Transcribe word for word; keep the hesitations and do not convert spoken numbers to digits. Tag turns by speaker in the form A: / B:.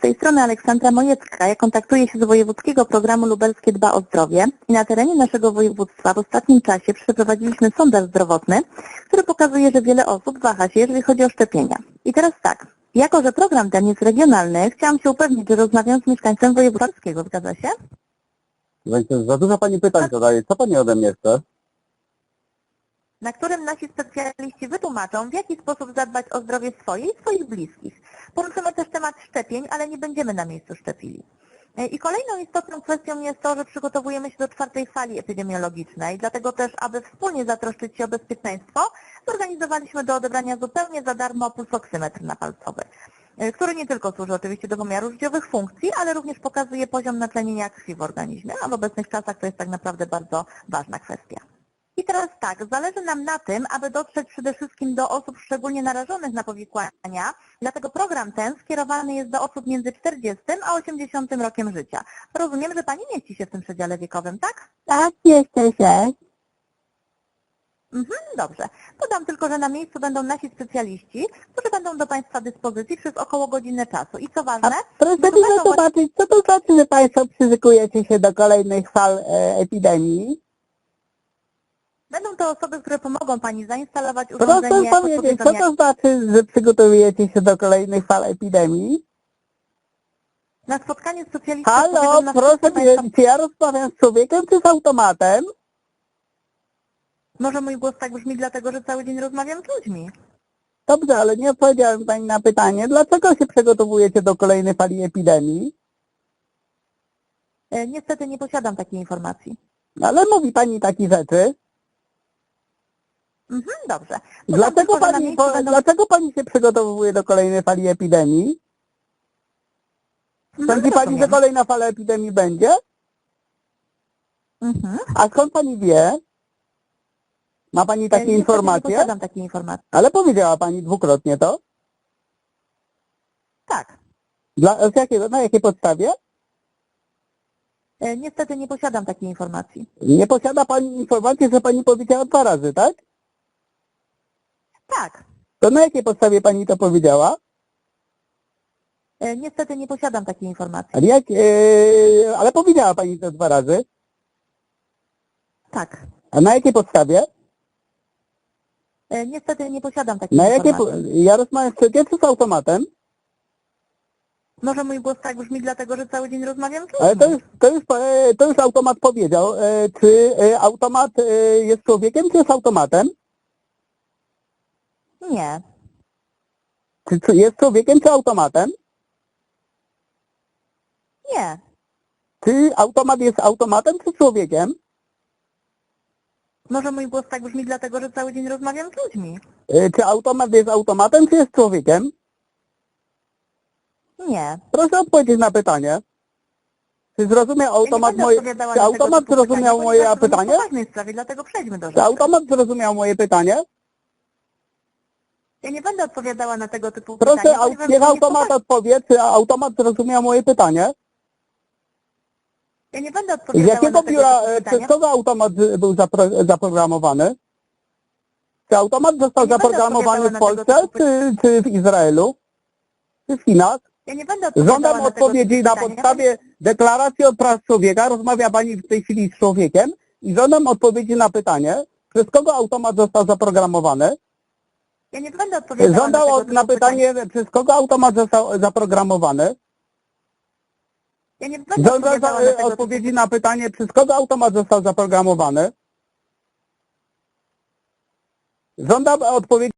A: tej strony Aleksandra Mojecka. Ja kontaktuję się z Wojewódzkiego Programu Lubelskie Dba o Zdrowie i na terenie naszego województwa w ostatnim czasie przeprowadziliśmy sondaż zdrowotny, który pokazuje, że wiele osób waha się, jeżeli chodzi o szczepienia. I teraz tak, jako że program ten jest regionalny, chciałam się upewnić, że rozmawiam z mieszkańcem województwa. Zgadza się?
B: Za dużo Pani pytań zadaje. Co Pani ode mnie chce?
A: Na którym nasi specjaliści wytłumaczą, w jaki sposób zadbać o zdrowie swoje i swoich bliskich. Poruszymy też temat szczepień, ale nie będziemy na miejscu szczepili. I kolejną istotną kwestią jest to, że przygotowujemy się do czwartej fali epidemiologicznej, dlatego też, aby wspólnie zatroszczyć się o bezpieczeństwo, zorganizowaliśmy do odebrania zupełnie za darmo pulsoksymetr napalcowy, który nie tylko służy oczywiście do pomiaru życiowych funkcji, ale również pokazuje poziom natlenienia krwi w organizmie, a w obecnych czasach to jest tak naprawdę bardzo ważna kwestia. I teraz tak, zależy nam na tym, aby dotrzeć przede wszystkim do osób szczególnie narażonych na powikłania, dlatego program ten skierowany jest do osób między czterdziestym a osiemdziesiątym rokiem życia. Rozumiem, że Pani mieści się w tym przedziale wiekowym, tak?
C: Tak, jeszcze się.
A: Mhm, dobrze. Podam tylko, że na miejscu będą nasi specjaliści, którzy będą do Państwa dyspozycji przez około godzinę czasu. I co ważne...
C: Proszę mi
A: będą
C: zobaczyć, co to znaczy, że Państwo przyzykujecie się do kolejnych fal e, epidemii?
A: Będą to osoby, które pomogą Pani zainstalować
C: Proszę
A: urządzenie...
C: powiedzieć, co to znaczy, że przygotowujecie się do kolejnych fal epidemii?
A: Na spotkanie specjalistów...
C: Halo,
A: powiedzą nam
C: proszę
A: wszystko
C: powiedzieć,
A: państwa...
C: czy ja rozmawiam z człowiekiem, czy z automatem?
A: Może mój głos tak brzmi dlatego, że cały dzień rozmawiam z ludźmi.
C: Dobrze, ale nie odpowiedziałem Pani na pytanie, dlaczego się przygotowujecie do kolejnej fali epidemii?
A: E, niestety nie posiadam takiej informacji.
C: Ale mówi Pani takie rzeczy.
A: Mhm, dobrze. To
C: Dlaczego
A: tylko, że na
C: pani,
A: miejscu
C: po,
A: będą...
C: dlaczego pani się przygotowuje do kolejnej fali epidemii?
A: Mhm,
C: Sądzi pani, że
A: rozumiem.
C: kolejna fala epidemii będzie?
A: Mhm.
C: A skąd pani wie? Ma pani
A: E,
C: takie
A: niestety
C: informacje?
A: nie posiadam takiej informacji.
C: Ale powiedziała pani dwukrotnie to?
A: Tak.
C: Dla, z jakiego, na jakiej podstawie?
A: E, niestety nie posiadam takiej informacji.
C: Nie posiada pani informacji, że pani powiedziała dwa razy, tak?
A: Tak.
C: To na jakiej podstawie pani to powiedziała?
A: E, niestety nie posiadam takiej informacji.
C: Ale, jak, e, ale powiedziała pani to dwa razy.
A: Tak.
C: A na jakiej podstawie?
A: E, niestety nie posiadam takiej
C: Na jakiej, po-
A: informacji.
C: ja rozmawiam z człowiekiem, czy z automatem?
A: Może mój głos tak brzmi dlatego, że cały dzień rozmawiam z ludźmi.
C: Ale to już, to już, e, to już automat powiedział. E, Czy e, automat e, jest człowiekiem, czy jest automatem?
A: Nie.
C: Czy czy jest człowiekiem, czy automatem?
A: Nie.
C: Czy automat jest automatem, czy człowiekiem?
A: Może mój głos tak brzmi dlatego, że cały dzień rozmawiam z ludźmi.
C: E, Czy automat jest automatem, czy jest człowiekiem?
A: Nie.
C: Proszę odpowiedzieć na pytanie. Czy zrozumiał automat
A: ja nie
C: moje...
A: odpowiadała
C: Czy
A: na tego
C: automat
A: typu
C: zrozumiał
A: pytania,
C: moje
A: ponieważ to
C: pytanie?
A: jest poważnej sprawie, dlatego przejdźmy do
C: Czy
A: rzeczy.
C: automat zrozumiał moje pytanie?
A: Ja nie będę odpowiadała na tego typu
C: Proszę,
A: pytania,
C: au-
A: ponieważ
C: niech
A: to jest
C: automat
A: poważne.
C: odpowie, czy automat zrozumiał moje pytanie?
A: Ja nie będę
C: Z
A: odpowiadała
C: jakiego
A: na tego
C: biura,
A: typu
C: e,
A: pytania.
C: przez kogo automat z- był zapro, zaprogramowany? Czy automat został
A: Nie będę
C: zaprogramowany w
A: odpowiadała na tego
C: Polsce,
A: typu
C: czy, czy w Izraelu, czy w Chinach?
A: Ja nie będę odpowiadała
C: Żądam
A: na tego
C: odpowiedzi
A: typu
C: na
A: pytania,
C: podstawie deklaracji o praw człowieka. Rozmawia Pani w tej chwili z człowiekiem i żądam odpowiedzi na pytanie, przez kogo automat został zaprogramowany.
A: Ja nie będę odpowiadała
C: Żądam
A: na tego
C: od-
A: typu
C: na
A: pytania.
C: pytanie, przez kogo automat został zaprogramowany.
A: Ja nie będę
C: Żądam
A: odpowiadała
C: za-
A: na tego
C: odpowiedzi
A: typu
C: na pytanie, przez kogo automat został zaprogramowany. Żądam odpowiedzi